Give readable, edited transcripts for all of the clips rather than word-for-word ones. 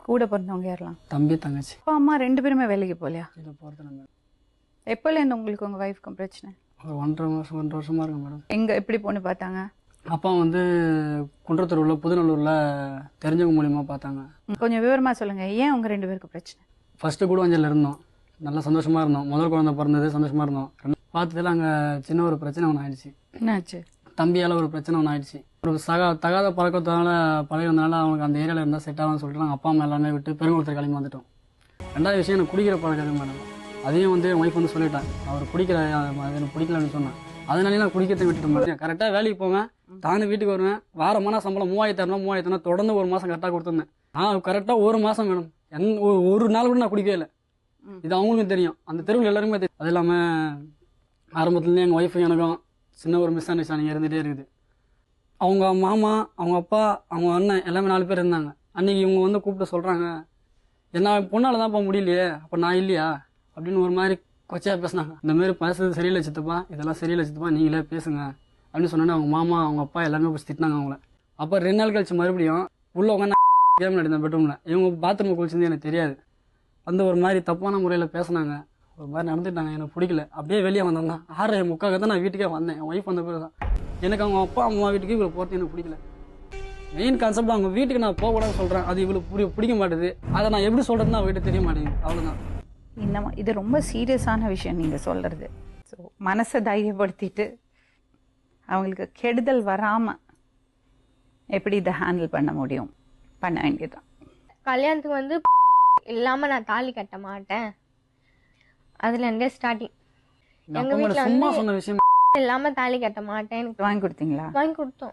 கூட பிறந்தவங்க யாரெல்லாம்? தம்பி தங்கச்சி. அப்பா அம்மா 2 பேருமே வேலைக்கு போகலையா? இதை போகிறது நம்ம எப்போலேருந்து உங்களுக்கு உங்கள் ஒய்ஃப்க்கும் பிரச்சனை? ஒரு 1.5 வருஷமாக இருக்கும் மேடம். எங்கே எப்படி பொண்ணு பார்த்தாங்க? அப்பா வந்து குன்றத்தூரில் புதுநல்லூரில் தெரிஞ்சவங்க மூலியமாக பார்த்தாங்க. கொஞ்சம் விவரமாக சொல்லுங்கள், ஏன் உங்கள் 2 பேருக்கு பிரச்சனை? ஃபஸ்ட்டு கூடுவாஞ்சலில் இருந்தோம், நல்லா சந்தோஷமாக இருந்தோம். முதல் குழந்தை பிறந்தது சந்தோஷமாக இருந்தோம். பார்த்ததில் அங்கே சின்ன ஒரு பிரச்சனை ஒன்று ஆயிடுச்சு. என்னாச்சு? தம்பியால் ஒரு பிரச்சனை ஒன்று ஆயிடுச்சு. ஒரு தகாத பழக்கத்தினால பழகிறதுனால அவனுக்கு அந்த ஏரியாவில் இருந்தால் செட் ஆகும்னு சொல்லிட்டு நாங்கள் அப்பா அம்மா எல்லாமே விட்டு பெருங்குளத்தில் கிளம்பி வந்துட்டோம். ரெண்டாவது விஷயம், எனக்கு குடிக்கிற பழக்கம் மேடம். அதையும் வந்து என் ஒய்ஃப் வந்து சொல்லிட்டேன், அவர் குடிக்கிற அது எனக்கு பிடிக்கலன்னு சொன்னேன். அதனாலே நான் குடிக்கிறதை விட்டுட்டு மாட்டேன். கரெக்டாக வேலைக்கு போவேன், தானே வீட்டுக்கு வருவேன். வாரமான சம்பளம் 3000 தொடர்ந்து ஒரு மாதம் கரெக்டாக கொடுத்துருந்தேன். நான் கரெக்டாக ஒரு மாதம் மேடம், ஒரு நாள் கூட நான் குடிக்கவே இல்லை. இது அவங்களுக்கும் தெரியும், அந்த தெருவில் எல்லாருமே தெரியும். அது இல்லாமல் ஆரம்பத்துலேருந்து எங்கள் ஒய்ஃபும் எனக்கும் சின்ன ஒரு மிஸ் அண்டர்ஸ்டாண்டிங் இருந்துகிட்டே இருக்குது. அவங்க மாமா, அவங்க அப்பா, அவங்க அண்ணன் எல்லாமே 4 பேர் இருந்தாங்க. அன்றைக்கி இவங்க வந்து கூப்பிட்டு சொல்கிறாங்க, என்ன பொண்ணால் தான்ப்பா முடியலையே, அப்போ நான் இல்லையா அப்படின்னு ஒரு மாதிரி கொச்சையாக பேசினாங்க. இந்த மாதிரி பேசுறது சரியில்லை சித்தப்பா, இதெல்லாம் சரியில்லை சித்தப்பா, நீங்களே பேசுங்க அப்படின்னு சொன்னோன்னே அவங்க மாமா அவங்க அப்பா எல்லாமே போய் திட்டினாங்க அவங்கள. அப்போ 2 நாள் கழிச்சு மறுபடியும் உள்ளே உட்காந்து கேம் நடந்தேன் பெட்ரூமில். இவங்க பாத்ரூம் குளிச்சிருந்து எனக்கு தெரியாது. அந்த ஒரு மாதிரி தப்பான முறையில் பேசினாங்க, ஒரு மாதிரி நடந்துட்டாங்க. எனக்கு பிடிக்கல. அப்படியே வெளியே வந்தேன் தான் 6:45 தான் நான் வீட்டுக்கே வந்தேன். என் ஒய்ஃப் வந்த பிறகு தான் எனக்கு அவங்க அப்பா அம்மா வீட்டுக்கு இவ்வளோ போகிறது எனக்கு பிடிக்கல. மெயின் கான்செப்ட் அவங்க வீட்டுக்கு நான் போகக்கூடாதுன்னு சொல்கிறேன், அது இவ்வளோ பிடிக்க மாட்டேது. அதை நான் எப்படி சொல்கிறதுன்னு அவங்ககிட்ட தெரிய மாட்டேங்குது. அவ்வளோதான். இன்னும் இது ரொம்ப சீரியஸான விஷயம் நீங்கள் சொல்கிறது. ஸோ மனசை தைரியப்படுத்திட்டு அவங்களுக்கு கெடுதல் வராமல் எப்படி இதை ஹேண்டில் பண்ண முடியும், பண்ண வேண்டியதுதான். கல்யாணத்துக்கு வந்து இல்லாமல் நான் தாலி கட்ட மாட்டேன், அதுலேருந்தே ஸ்டார்டிங். எங்கள் வீட்டில் வந்து சொன்ன விஷயம் இல்லாமல் தாலி கட்ட மாட்டேன். எனக்கு வாங்கி கொடுத்தீங்களா? வாங்கி கொடுத்தோம்.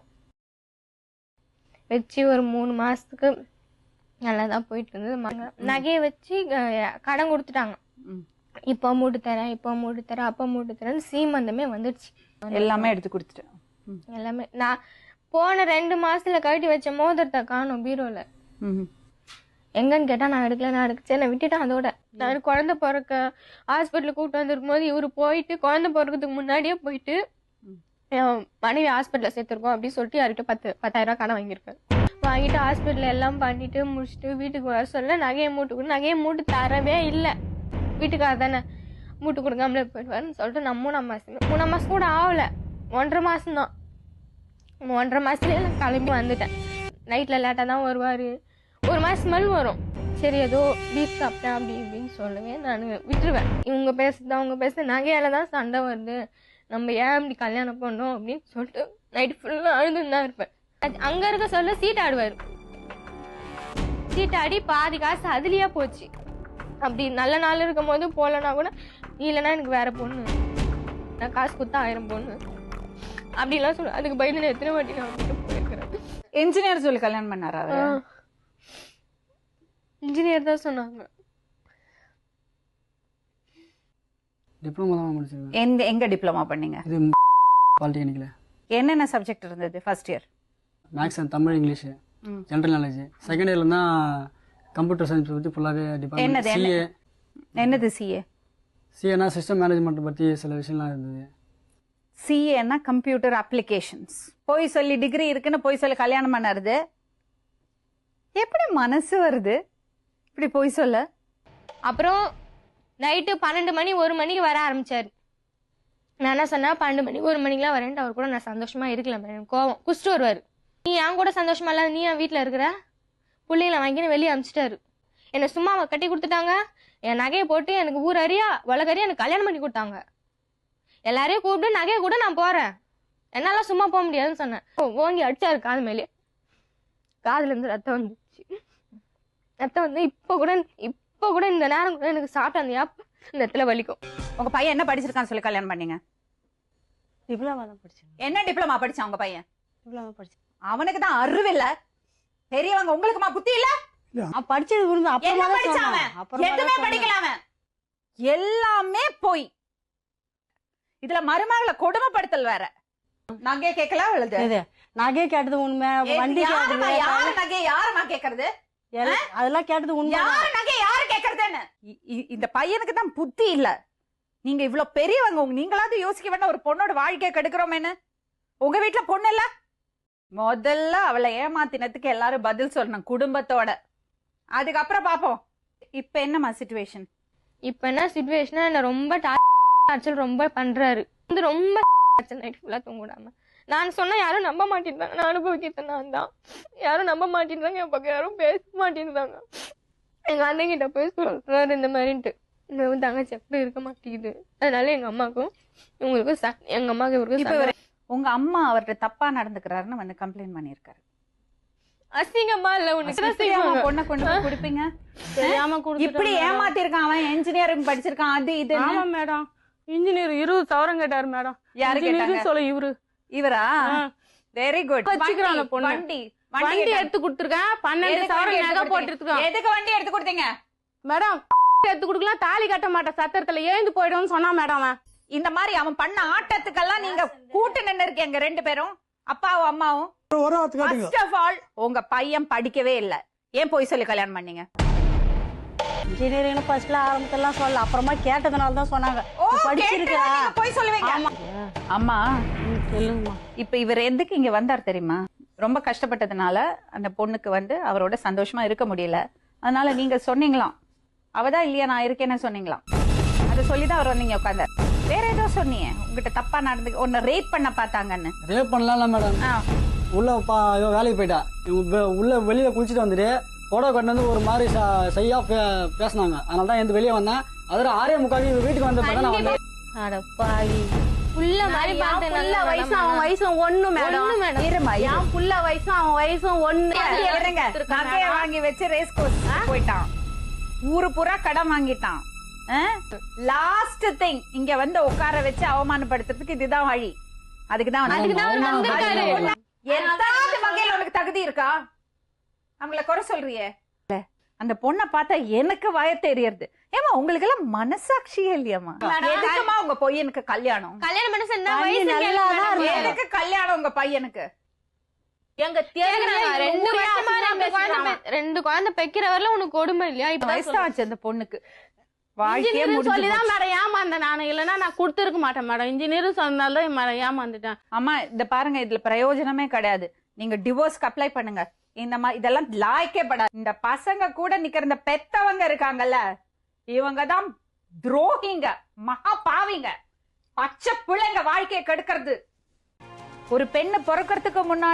வச்சு ஒரு 3 மாதத்துக்கு நல்லா தான் போயிட்டு இருந்தது. நகையை வச்சு கடன் கொடுத்துட்டாங்க. இப்போ மூட்டு தரேன், இப்போ மூட்டு தரேன், அப்போ மூட்டு தரேன்னு சீமந்தமே வந்துடுச்சு. எல்லாமே எடுத்து கொடுத்துட்டேன். எல்லாமே நான் போன 2 மாசத்துல கழட்டி வச்ச மோதிரத்தை காணும் பீரோல. எங்கன்னு கேட்டா நான் எடுக்கச்சு, நான் விட்டுட்டேன். அதோட நான் குழந்தை பிறக்க ஹாஸ்பிட்டலுக்கு கூப்பிட்டு வந்திருக்கும் போது இவரு போயிட்டு குழந்தை பிறக்கிறதுக்கு முன்னாடியே போயிட்டு மனைவி ஹாஸ்பிட்டலில் சேர்த்துருக்கோம் அப்படின்னு சொல்லிட்டு யார்கிட்ட 10,000 கடன் வாங்கியிருக்கேன். வாங்கிட்டு ஹாஸ்பிட்டல் எல்லாம் பண்ணிட்டு முடிச்சுட்டு வீட்டுக்கு வர சொல்ல நகையை மூட்டு தரவே இல்லை. வீட்டுக்கார தானே மூட்டு கொடுக்காமலே போயிடுவாருன்னு சொல்லிட்டு நான் 3 மாசம் கூட ஆகல, 1.5 மாசம் தான். 1.5 மாசத்துலேயே நான் கிளம்பி வந்துட்டேன். நைட்டில் லேட்டாக தான் வருவார். 1 மாதம் மேலே வரும். சரி ஏதோ பீஃப் சாப்பிட்டேன் அப்படி இப்படின்னு சொல்லவே நான் விட்டுருவேன். இவங்க பேசுறது அவங்க பேசுறது நகையால தான் சண்டை வருது, நம்ம ஏன் இப்படி கல்யாணம் பண்ணோம் அப்படின்னு சொல்லிட்டு நைட்டு ஃபுல்லாக அழுதுன்னு தான் இருப்பேன். அங்கே இருக்க சொல்ல சீட்டாடுவார். சீட்டாடி பாதி காசு அதுலேயே போச்சு. அப்படி நல்ல நாள் இருக்கும் போது போகலன்னா கூட, இல்லைன்னா எனக்கு வேற பொண்ணு, நான் காசு கொடுத்தா 1000 பொண்ணு அப்படிலாம் சொல்ல. அதுக்கு பயந்து நான் எத்தனை வாட்டி நான் வந்துட்டு போயிருக்கிறேன். இன்ஜினியர் சொல்லி கல்யாணம் பண்ணாரா? இன்ஜினியர் தான் சொன்னாங்க. டிப்ளமோ தான் முடிச்சிருக்கேன். எங்க டிப்ளமா பண்ணீங்க? இது பாலிடெக்னிக்ல. என்னென்ன சப்ஜெக்ட் இருந்தது? First year maths and Tamil, English, general knowledge. Second இயர்ல தான் கம்ப்யூட்டர் சயின்ஸ் பற்றி ஃபுல்லாகவே டிபார்ட்மெண்ட். சிஏ. என்னது சிஏ? சிஏனா சிஸ்டம் மேனேஜ்மெண்ட் பற்றி சில விஷயம்லாம் இருந்தது. சிஏனா கம்ப்யூட்டர் அப்ளிகேஷன்ஸ். போய் சொல்லி டிகிரி இருக்குன்னு போய் சொல்லி கல்யாணம் பண்ணாருது. எப்படி மனசு வருது இப்படி போய் சொல்ல? அப்புறம் நைட்டு 12 மணி 1 மணிக்கு வர ஆரம்பிச்சாரு. நான் என்ன சொன்னா 12 மணி 1 மணிக்கெலாம் வரேன்ட்டு அவர் கூட நான் சந்தோஷமா இருக்கலாம். எனக்கு கோவம் குடிச்சிட்டு வருவார். நீ என் கூட சந்தோஷமா இல்லாத நீ என் வீட்டில் இருக்கிற, பிள்ளைங்களை வாங்கின்னு வெளியே அனுப்பிச்சிட்டாரு. என்னை சும்மா கட்டி கொடுத்துட்டாங்க. என் நகையை போட்டு எனக்கு ஊர் அறியா உலகறியா எனக்கு கல்யாணம் பண்ணி கொடுத்தாங்க. எல்லாரையும் கூப்பிட்டு நகையை கூட நான் போறேன், என்னால சும்மா போக முடியாதுன்னு சொன்னேன். ஓங்கி அடிச்சாரு காது மேலே. காதுல இருந்து ரத்தம் வந்துச்சு. ரத்தம் வந்து இப்போ கூட இந்த நேரம் கூட எனக்கு சாப்பிட்ட அந்த இந்த இடத்துல வலிக்கும். உங்க பையன் என்ன படிச்சிருக்கான்னு சொல்லி கல்யாணம் பண்ணீங்க? டிப்ளமா தான் படிச்சேன். என்ன டிப்ளமா படிச்சான் உங்க பையன்? டிப்ளமா படிச்சேன். அவனுக்கு தான் அறிவு இல்ல, பெரியவங்க. உங்களுக்குமா புத்தி இல்ல? படிச்சது விருந்து என்ன படிச்சாம? எதுவுமே படிக்கலாம, எல்லாமே போய். இதுல மருமகளை கொடுமைப்படுத்தல் வேற. நகை கேட்கலாம் எழுது. நகை கேட்டது உண்மை, வண்டி கேட்டது. யாரு நகை யாருமா கேக்குறது? அதெல்லாம் கேட்டது உண்மை. யாரு நகை யாரு கேக்குறதுன்னு இந்த பையனுக்கு தான் புத்தி இல்ல. நீங்க இவ்வளவு பெரியவங்க, நீங்களாவது யோசிக்க வேண்டாம் ஒரு பொண்ணோட வாழ்க்கையை கெடுக்கிறோமேன்னு? உங்க வீட்டுல பொண்ணு இல்ல? முதல்ல அவளை ஏமாத்தினதுக்கு எல்லாரும் பதில் சொல்லணும் குடும்பத்தோட. அதுக்கப்புறம் பாப்போம். இப்ப என்னமா சிச்சுவேஷன்? இப்ப என்ன சிச்சுவேஷனா என்ன ரொம்ப டார்ச்சர் ரொம்ப பண்றாரு. வந்து ரொம்ப நைட் ஃபுல்லா தூங்கிடாம. நான் சொன்னா யாரும் நம்ப மாட்டேன்றாங்க. நான் அனுபவிக்கிறது நான் தான். யாரும் நம்ப மாட்டேன்றாங்க. என் பக்கம் யாரும் பேச மாட்டேன்றாங்க. எங்க அண்ணன் கிட்ட போய் சொல்றாரு இந்த மாதிரின்ட்டு. இந்த தங்கச்சி அப்படி இருக்க மாட்டேங்குது. அதனால எங்க அம்மாக்கும் இவங்களுக்கும் எங்க அம்மாவுக்கு இவருக்கும் உங்க அம்மா அவர்கிட்ட தப்பா நடந்துக்கிறாருன்னு வந்து கம்ப்ளைண்ட் பண்ணிருக்காரு. அசிங்கமா இல்ல உனக்கு பொண்ணை கொண்டு போய் கொடுப்பீங்க? தெரியாம இப்படி ஏமாத்தி இருக்கான். அவன் இன்ஜினியரிங் படிச்சிருக்கான். அது இது. ஆமா மேடம், இன்ஜினியர் 20,000 கேட்டாரு மேடம். யாரு கேட்டாங்க? சொல்ல இவரா? Very good. வச்சுக்கிறாங்க பொண்ணு. வண்டி எடுத்து கொடுத்துருக்கேன். 12,000 நகை போட்டுருக்கோம். எதுக்கு வண்டி எடுத்து கொடுத்தீங்க மேடம்? எடுத்து கொடுக்கலாம், தாலி கட்ட மாட்டேன், சத்திரத்துல எழுந்து போயிடும்னு சொன்னா மேடம். அவன் இந்த மாதிரி அவன் பண்ண ஆட்டத்துக்கெல்லாம் நீங்க கூட்டு நின்னு இருக்கீங்க ரெண்டு பேரும், அப்பாவும் அம்மாவும். First of all, உங்க பையன் படிக்கவே இல்ல. ஏன் போய் சொல்லி கல்யாணம் பண்ணீங்க? இன்ஜினியரிங் ஃபர்ஸ்ட்ல ஆரம்பத்துல சொல்ல, அப்புறமா கேட்டதுனால தான் சொன்னாங்க. படிச்சிருக்கா போய் சொல்லுவீங்க. அம்மா சொல்லுங்கம்மா. இப்ப இவர் எதுக்கு இங்க வந்தார் தெரியுமா? ரொம்ப கஷ்டப்பட்டதுனால அந்த பொண்ணுக்கு வந்து அவரோட சந்தோஷமா இருக்க முடியல. அதனால நீங்க சொன்னீங்களாம், அவதான் இல்லையா நான் இருக்கேன்னு சொன்னீங்களாம். அதை சொல்லிதான் அவர் வந்து இங்க உட்கார்ந்தார். வேற ஏதோ சொன்னீங்க, உங்ககிட்ட தப்பா நடந்து உன்னை ரேப் பண்ண பார்த்தாங்கன்னு. ரேப் பண்ணலாம் மேடம். உள்ள வேலைக்கு போயிட்டா. உள்ள வெளியில குளிச்சுட்டு வந்துட்டு போட்டோ கட்டு வந்து ஒரு மாதிரி செய்யா பேசினாங்க. அதனால தான் எந்த வெளியே வந்தேன். அதில் 6:45 வீட்டுக்கு வந்த பிறகு நான் வந்தேன். அடப்பாவி, புள்ள மாதிரி புள்ள வயசு அவன் வயசும் ஒண்ணு மேடம். என் புள்ள வயசும் அவன் வயசும் ஒண்ணு. நகைய வாங்கி வச்சு ரேஸ் கோர்ஸ் போயிட்டான். ஊரு பூரா கடன் வாங்கிட்டான். லாஸ்ட் திங் இங்க வந்து உட்கார வச்சு அவமானப்படுத்துறதுக்கு இதுதான் வழி. அதுக்குதான் எதாவது வகையில உனக்கு தகுதி இருக்கா? அவங்கள குறை சொல்றியே. அந்த பொண்ணை பார்த்தா எனக்கு வய தெரியறது. ஏமா உங்களுக்கு எல்லாம் மனசாட்சியே இல்லையாமா? எதுக்குமா உங்க பையனுக்கு கல்யாணம்? கல்யாணம் பண்ண சொன்னா எதுக்கு கல்யாணம் உங்க பையனுக்கு? எங்க ரெண்டு குழந்தை பெக்கிற வரல உனக்கு கொடுமை இல்லையா? இப்ப வயசாச்சு அந்த பொண்ணுக்கு. வாழ்க்கையே சொல்லிதான் மேடம் ஏமாந்தேன் நானு. இல்லன்னா நான் கொடுத்துருக்க மாட்டேன் மேடம். இன்ஜினியர் சொன்னாலும் ஏமாந்துட்டேன். அம்மா இந்த பாருங்க, இதுல பிரயோஜனமே கிடையாது. நீங்க டிவோர்ஸ்க்கு அப்ளை பண்ணுங்க. இந்த மாதிரி இதெல்லாம் லாய்க்கே படாது. இந்த பசங்க கூட நிக்கிற இந்த பெத்தவங்க இருக்காங்கல்ல, இவங்கதான் துரோகிங்க, மகா பாவிங்க, பச்சை பிள்ளைங்க வாழ்க்கையை கெடுக்கிறது. ஒரு பெண்ணு பிறக்கிறதுக்கு முன்னாடி